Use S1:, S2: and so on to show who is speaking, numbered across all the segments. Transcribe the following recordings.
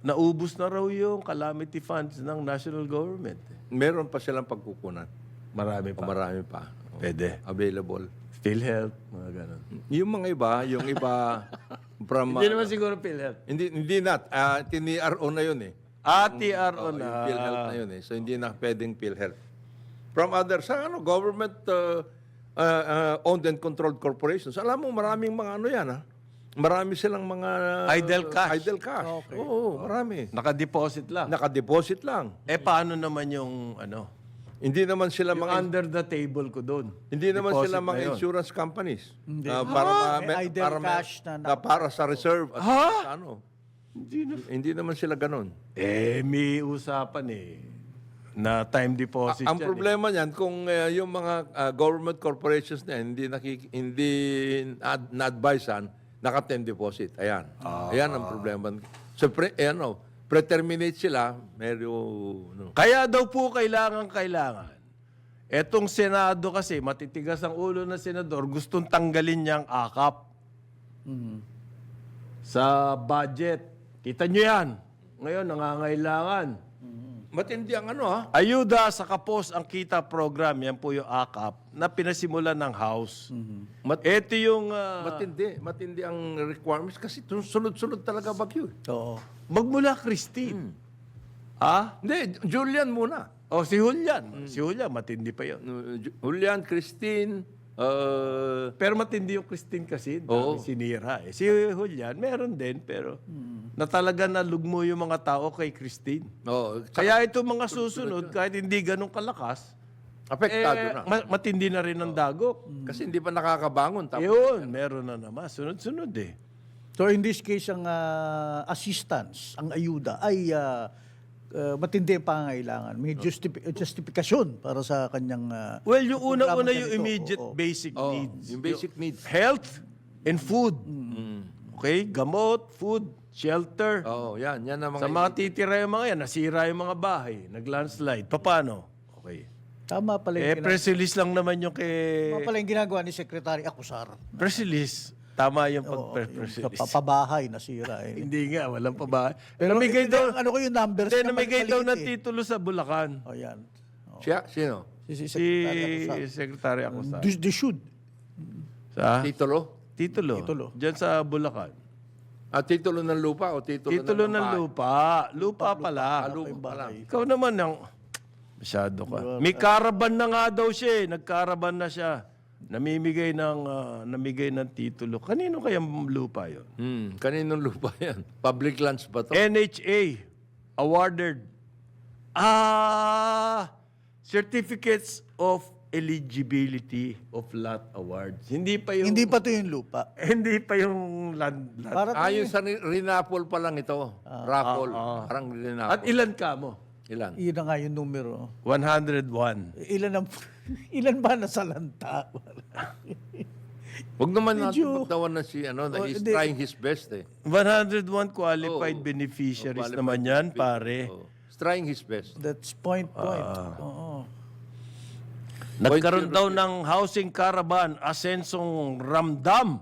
S1: naubos na raw yung calamity funds ng national government.
S2: Meron pa silang pagkukunan.
S1: Marami
S2: O
S1: pa.
S2: marami pa.
S1: Pwede.
S2: Available.
S1: PhilHealth, mga ganun.
S2: Yung mga iba, from...
S1: Hindi naman siguro PhilHealth.
S2: hindi na. TNRO na yun eh.
S1: TRO
S2: Yung
S1: na.
S2: PhilHealth na yun eh. So hindi na pwedeng PhilHealth. From other, sa government owned and controlled corporations, alam mo, maraming mga ano yan ha. Marami silang mga...
S1: Idle cash.
S2: Idle cash. Oo, marami.
S1: Naka-deposit lang.
S2: Nakadeposit lang.
S1: Paano naman yung ano?
S2: Hindi naman sila
S1: Yung
S2: mga...
S1: under the table ko doon.
S2: Hindi naman
S1: Deposit
S2: sila
S1: na
S2: mga
S1: yun.
S2: insurance companies.
S3: Hindi.
S2: Para
S3: May idle cash na
S2: para sa reserve at sa ano.
S1: Hindi na.
S2: Hindi naman sila ganun.
S1: May usapan na time deposit
S2: Ang
S1: yan,
S2: problema niyan kung yung mga government corporations na yan, hindi na-advisean, naka-time deposit. Ayan. Ayan ang problema. So preterminate sila, no.
S1: Kaya daw po kailangan. Etong Senado kasi, matitigas ang ulo ng senador, gustong tanggalin niyang akap sa budget. Kita niyo yan. Ngayon, nangangailangan.
S2: Matindi ang ano ha.
S1: Ayuda sa kapos ang kita program, yan po yung akap, na pinasimulan ng House. Ito yung...
S2: Matindi ang requirements kasi sunod-sunod talaga bagyo.
S3: Oo.
S1: magmula Christine.
S2: Hindi, Julian muna.
S1: Si Julian. Si Julian, matindi pa yun.
S2: Julian, Christine,
S1: Pero matindi yung Christine kasi, dami sinira. Si Julian, meron din, pero na talaga nalugmo yung mga tao kay Christine. Kaya ito mga susunod, kahit hindi ganun kalakas,
S2: apektado na.
S1: matindi na rin ang dagok.
S2: Kasi hindi pa nakakabangon.
S1: Yun, meron na naman. Sunod-sunod eh.
S3: So in this case, ang assistance, ang ayuda, ay matindi ang pangangailangan. May justification para sa kanyang...
S1: Well, yung una-una yung
S3: ganito.
S1: immediate basic needs.
S2: Yung basic needs.
S1: Health and food. Okay? Gamot, food, shelter.
S2: Yan ang mga...
S1: Sa mga titira yung mga yan, nasira yung mga bahay, nag-landslide. Paano? Okay.
S3: Tama pala yung,
S1: Press release lang naman yung
S3: tama pala yung ginagawa ni Secretary Acusar.
S1: Press release. Tama yung pag-press
S3: Sa
S1: release.
S3: pabahay nasira.
S1: Hindi nga, walang pa ba.
S3: Pero
S1: namigay daw,
S3: ano ko yung numbers
S1: hindi,
S3: na
S1: namigay daw ng
S3: maliit
S1: titulo sa Bulacan.
S3: yan.
S2: Siya? Sino?
S3: Si
S1: Si
S3: Secretary Acusar.
S1: Secretary Acusar.
S3: They should.
S1: Sa?
S2: Titulo?
S1: Titulo. Diyan sa Bulacan.
S2: Titulo ng lupa o
S1: Titulo ng lupa. Lupa pala.
S2: Lupa pala.
S1: Ikaw naman masyado ka. May caravan na nga daw siya eh. Nag-caravan na siya. Namigay ng titulo. Kanino kayang lupa yon?
S2: Kaninong lupa yan? Public lands ba to?
S1: NHA awarded certificates of eligibility of lot awards. Hindi pa yung
S3: to yung lupa.
S1: hindi pa yung land.
S3: Para
S2: Yung sa Rinapol pa lang ito. Rapol. Parang Rinapol.
S1: At ilan ka mo?
S2: Ilan?
S3: yun na nga yung numero.
S1: 101.
S3: Ilan ba nasa lanta?
S2: Huwag naman natin pagtawan na he's trying his best eh.
S1: 101 qualified beneficiaries naman yan, pare.
S2: He's trying his best.
S3: That's point. Oo.
S1: Nagkaroon daw ng housing caravan, asensong ramdam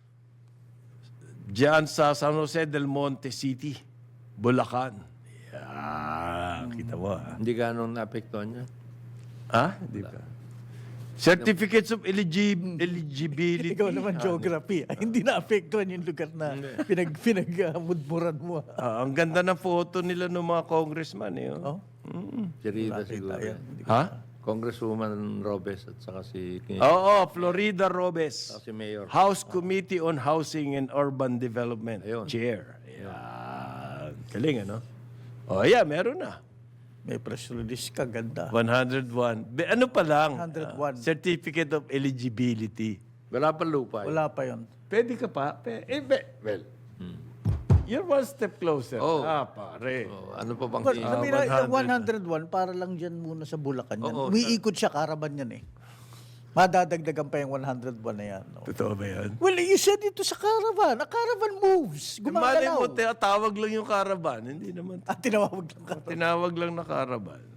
S1: diyan sa San Jose del Monte City, Bulacan. Kita mo ha?
S2: Hindi ganun naapektuhan niya.
S1: Hindi pa. Certificates of eligibility.
S3: Ikaw naman geography. Hindi na-apektuhan yung lugar na pinagmudmuran mo.
S1: Ang ganda ng photo nila ng mga congressman.
S2: Si Rita siguro. Congresswoman Robes at saka si
S1: Florida Robes.
S2: si Mayor.
S1: House Committee on Housing and Urban Development.
S2: Ayun.
S1: Chair. Ayan. Galing, ano? Meron na.
S3: May press release ka, ganda.
S1: 101. Ano pa lang?
S3: 101.
S1: Certificate of Eligibility.
S2: Wala pa lupa.
S3: Wala pa yun.
S1: Pwede ka pa? Well, you're one step closer. Pare.
S2: Ano pa bang
S3: But, sabi na,
S1: 100.
S3: yung 101, para lang dyan muna sa Bulacan yan.
S2: Oo,
S3: Umiikot siya, caravan yan eh. Madadagdagan pa yung 101 na yan. No?
S1: Totoo ba yan?
S3: Well, you said ito sa caravan. A caravan moves.
S1: Mali
S3: Gumagalaw.
S1: mo, tawag lang yung caravan. Hindi naman.
S3: Tinawag lang ka.
S1: Tinawag lang na caravan.